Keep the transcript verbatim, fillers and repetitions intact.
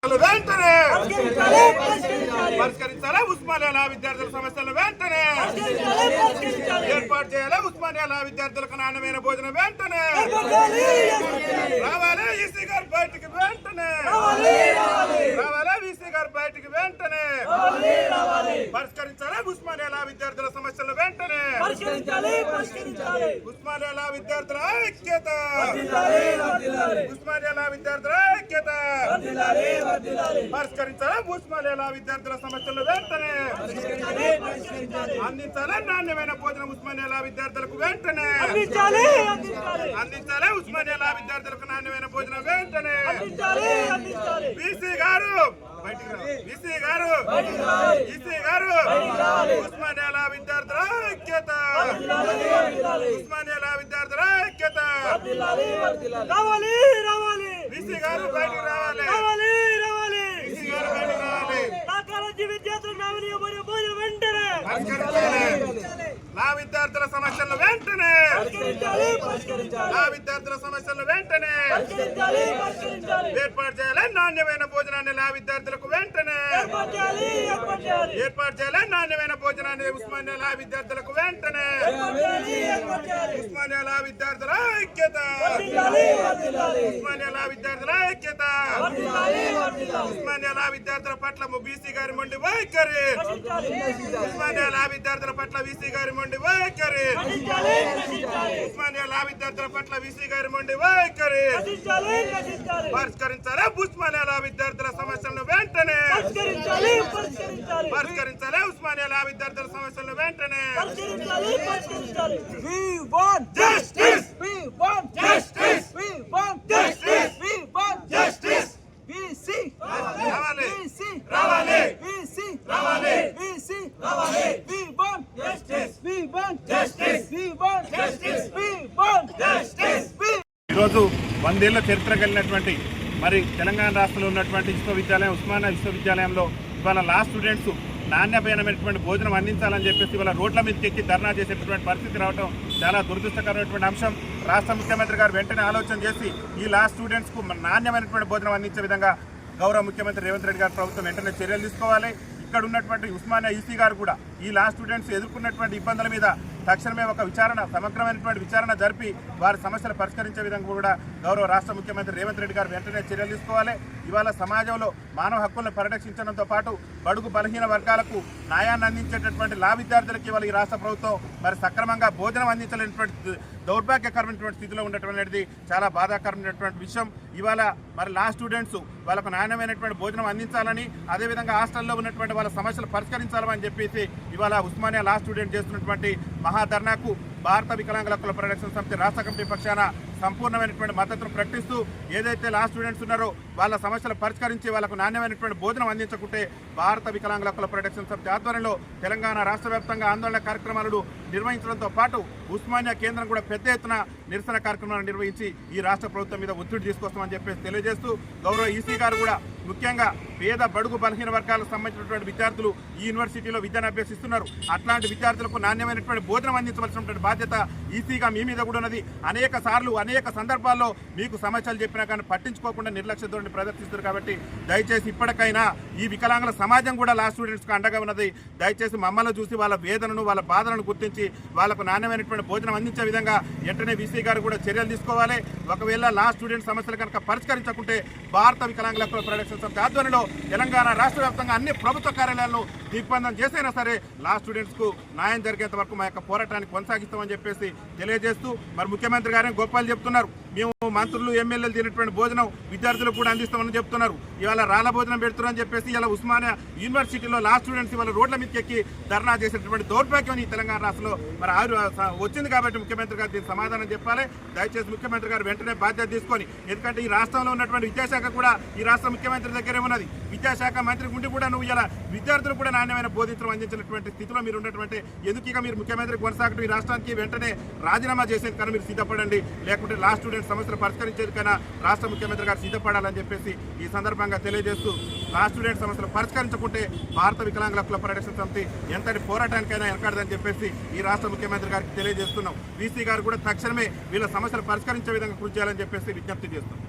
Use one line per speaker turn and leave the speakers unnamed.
సమస్యలు వెంటనే పరిష్కరించాలి. ఉస్మానియా విద్యార్థుల సమస్యలు వెంటనే ఏర్పాటు చేయాలి. ఉస్మానియా విద్యార్థులకు నాణ్యమైన భోజనం వెంటనే రావాలి. ఈసీ గారు బయటికి వెంటనే రావాలి. ఈసీ గారు బయటికి వెంటనే పరిష్కరించాలి. ఉస్మానియా విద్యార్థుల సమస్యలు వెంటనే ఉస్మానియా విద్యార్థుల ఐక్యత ఉస్మానియా విద్యార్థుల ఐక్యత పరిష్కరించాలి. ఉస్మానియా విద్యార్థుల సమస్యలు వెంటనే అందించాలి. నాణ్యమైన భోజనం ఉస్మానియా విద్యార్థులకు వెంటనే అందించాలి. ఉస్మానియా విద్యార్థులకు నాణ్యమైన భోజనం వెంటనే బీసీ గారు బీసీ గారు ఈసీ గారు ఉస్మానియా విద్యార్థుల ఐక్యత ఉస్మానియా విద్యార్థుల ఐక్యత
రావాలి రావాలి
బీసీ గారు బయటికి రావాలి.
రావాలి రావాలి
బీసీ గారు బయటికి రావాలి.
కాలేజీ విద్యార్థులు నామినీ భోజనం వెంటనే
నా విద్యార్థుల సమస్యలు వెంటనే నా విద్యార్థుల సమస్యలు వెంటనే ఏర్పాటు చేయాలి. నాణ్యమైన భోజనాన్ని నా విద్యార్థులకు వెంటనే ఏర్పాటు చేయాలి. నాణ్యమైన భోజనాన్ని ఉస్మానియా విద్యార్థులకు వెంటనే ఉస్మానియా విద్యార్థుల ఐక్యత ఉస్మానియా విద్యార్థుల ఐక్యత ఉస్మానియా విద్యార్థుల పట్ల బీసీ గారి మొండి వైఖరి ఉస్మానియా విద్యార్థుల పట్ల వీసీ గారి మొండి వైఖరి ఉస్మానియా విద్యార్థుల పట్ల వీసీ గారి మొండి వైఖరి పరిష్కరించాలి. ఉస్మానియా విద్యార్థుల సమస్యలను వెంటనే పరిష్కరించాలి. ఉస్మానియా విద్యార్థుల సమస్యలను వెంటనే
We want
justice.
We want
Justice.
We want
Justice.
We want
Justice.
We see.
రావాలి.
We see.
రావాలి.
We see.
రావాలి.
We see.
రావాలి.
We want
Justice.
We want
Justice.
We want
Justice.
We want
Justice.
We
ఈరోజు వందేళ్ల చరిత్ర కలిగినటువంటి మరి తెలంగాణ రాష్ట్రంలో ఉన్నటువంటి విశ్వవిద్యాలయం ఉస్మానియా విశ్వవిద్యాలయంలో ఇవాళ లా స్టూడెంట్స్ నాణ్యమైనటువంటి భోజనం అందించాలని చెప్పేసి ఇవాళ రోడ్ల మీదకి ఎక్కి ధర్నా చేసేటటువంటి పరిస్థితి రావడం చాలా దురదృష్టకరమైనటువంటి అంశం. రాష్ట్ర ముఖ్యమంత్రి గారు వెంటనే ఆలోచన చేసి ఈ లా స్టూడెంట్స్కు నాణ్యమైనటువంటి భోజనం అందించే విధంగా గౌరవ ముఖ్యమంత్రి రేవంత్ రెడ్డి గారు ప్రభుత్వం వెంటనే చర్యలు తీసుకోవాలి. ఇక్కడ ఉన్నటువంటి ఉస్మానియా ఈసీ గారు కూడా ఈ లా స్టూడెంట్స్ ఎదుర్కొన్నటువంటి ఇబ్బందుల మీద తక్షణమే ఒక విచారణ సమగ్రమైనటువంటి విచారణ జరిపి వారి సమస్యలు పరిష్కరించే విధంగా కూడా గౌరవ రాష్ట్ర ముఖ్యమంత్రి రేవంత్ రెడ్డి గారు వెంటనే చర్యలు తీసుకోవాలి. ఇవాళ సమాజంలో మానవ హక్కులను పరిరక్షించడంతో పాటు బడుగు బలహీన వర్గాలకు న్యాయాన్ని అందించేటటువంటి లా విద్యార్థులకు ఇవాళ ఈ రాష్ట్ర ప్రభుత్వం మరి సక్రమంగా భోజనం అందించలేనటువంటి దౌర్భాగ్యకరమైనటువంటి స్థితిలో ఉండటం చాలా బాధాకరమైనటువంటి విషయం. ఇవాళ మరి లా స్టూడెంట్స్ వాళ్ళకు నాణ్యమైనటువంటి భోజనం అందించాలని అదేవిధంగా హాస్టల్లో ఉన్నటువంటి వాళ్ళ సమస్యలు పరిష్కరించాలని చెప్పేసి ఇవాళ ఉస్మానియా లా స్టూడెంట్ చేస్తున్నటువంటి మహాధర్నాకు భారత వికలాంగుల హక్కుల పరిరక్షణ సమితి రాష్ట్ర కమిటీ పక్షాన సంపూర్ణమైనటువంటి మద్దతును ప్రకటిస్తూ ఏదైతే లా స్టూడెంట్స్ ఉన్నారో వాళ్ళ సమస్యలు పరిష్కరించి వాళ్ళకు నాణ్యమైనటువంటి భోజనం అందించకుంటే భారత వికలాంగుల హక్కుల పరిరక్షణ సమితి ఆధ్వర్యంలో తెలంగాణ రాష్ట్ర వ్యాప్తంగా ఆందోళన కార్యక్రమాలను నిర్వహించడంతో పాటు ఉస్మానియా కేంద్రం కూడా పెద్ద ఎత్తున నిరసన కార్యక్రమాలను నిర్వహించి ఈ రాష్ట్ర ప్రభుత్వం మీద ఒత్తిడి తీసుకొస్తామని చెప్పేసి తెలియజేస్తూ గౌరవ ఈసీ గారు కూడా ముఖ్యంగా పేద బడుగు బలహీన వర్గాలకు సంబంధించినటువంటి విద్యార్థులు ఈ యూనివర్సిటీలో విద్యను అభ్యసిస్తున్నారు. అట్లాంటి విద్యార్థులకు నాణ్యమైనటువంటి భోజనం అందించవలసినటువంటి బాధ్యత ఈసీగా మీ మీద కూడా ఉన్నది. అనేక సార్లు అనేక సందర్భాల్లో మీకు సమస్యలు చెప్పినా కానీ పట్టించుకోకుండా నిర్లక్ష్య ధోరణి ప్రదర్శిస్తారు. కాబట్టి దయచేసి ఇప్పటికైనా ఈ వికలాంగుల సమాజం కూడా లా స్టూడెంట్స్కి అండగా ఉన్నది. దయచేసి మమ్మల్ని చూసి వాళ్ళ వేదనను వాళ్ళ బాధలను గుర్తించి వాళ్ళకు నాణ్యమైనటువంటి భోజనం అందించే విధంగా వెంటనే వీసీ గారు కూడా చర్యలు తీసుకోవాలి. ఒకవేళ లా స్టూడెంట్ సమస్యలు కనుక పరిష్కరించకుంటే భారత వికలాంగుల హక్కుల పరిరక్షణ సమితి ఆధ్వర్యంలో తెలంగాణ రాష్ట్ర వ్యాప్తంగా అన్ని ప్రభుత్వ కార్యాలయాలను దిగ్బంధం చేసైనా సరే లా స్టూడెంట్స్కు న్యాయం జరిగేంత వరకు మా యొక్క పోరాటాన్ని కొనసాగిస్తామని చెప్పేసి తెలియజేస్తూ మరి ముఖ్యమంత్రి గారిని గొప్పలు చెప్తున్నారు. మేము మంత్రులు ఎమ్మెల్యేలు తినేటువంటి భోజనం విద్యార్థులకు కూడా అందిస్తామని చెప్తున్నారు. ఇవాళ రాళ్ళ భోజనం పెడుతున్నారని చెప్పేసి ఇలా ఉస్మానియా యూనివర్సిటీలో లా స్టూడెంట్స్ ఇవాళ రోడ్ల మీదకి ఎక్కి ధర్నా చేసేటువంటి దౌర్భాగ్యం ఈ తెలంగాణ రాష్ట్రంలో మరి ఆరు వచ్చింది. కాబట్టి ముఖ్యమంత్రి గారు దీనికి సమాధానం చెప్పాలి. దయచేసి ముఖ్యమంత్రి గారు వెంటనే బాధ్యత తీసుకొని, ఎందుకంటే ఈ రాష్ట్రంలో ఉన్నటువంటి విద్యాశాఖ కూడా ఈ రాష్ట్ర ముఖ్యమంత్రి దగ్గరే ఉన్నది. విద్యాశాఖ మంత్రి ఉండి కూడా నువ్వు ఇలా విద్యార్థులు కూడా నాణ్యమైన బోధించడం అందించినటువంటి స్థితిలో మీరు ఉన్నటువంటి ఎందుకు ఇక మీరు ముఖ్యమంత్రి కొనసాగటం ఈ రాష్ట్రానికి వెంటనే రాజీనామా చేసేది కానీ మీరు సిద్ధపడండి. లేకుంటే లా స్టూడెంట్ సమస్యలు పరిష్కరించేందుకైనా రాష్ట్ర ముఖ్యమంత్రి గారు సిద్ధపడాలని చెప్పేసి ఈ సందర్భంగా తెలియజేస్తూ లా స్టూడెంట్ సమస్యలు పరిష్కరించకుంటే భారత వికలాంగుల హక్కుల పరిరక్షణ సమితి ఎంతటి పోరాటానికైనా వెనకాడదని చెప్పేసి ఈ రాష్ట్ర ముఖ్యమంత్రి గారికి తెలియజేస్తున్నాం. వీసీ గారు కూడా తక్షణమే వీళ్ళ సమస్యలు పరిష్కరించే విధంగా కృషి చేయాలని చెప్పేసి విజ్ఞప్తి చేస్తున్నాం.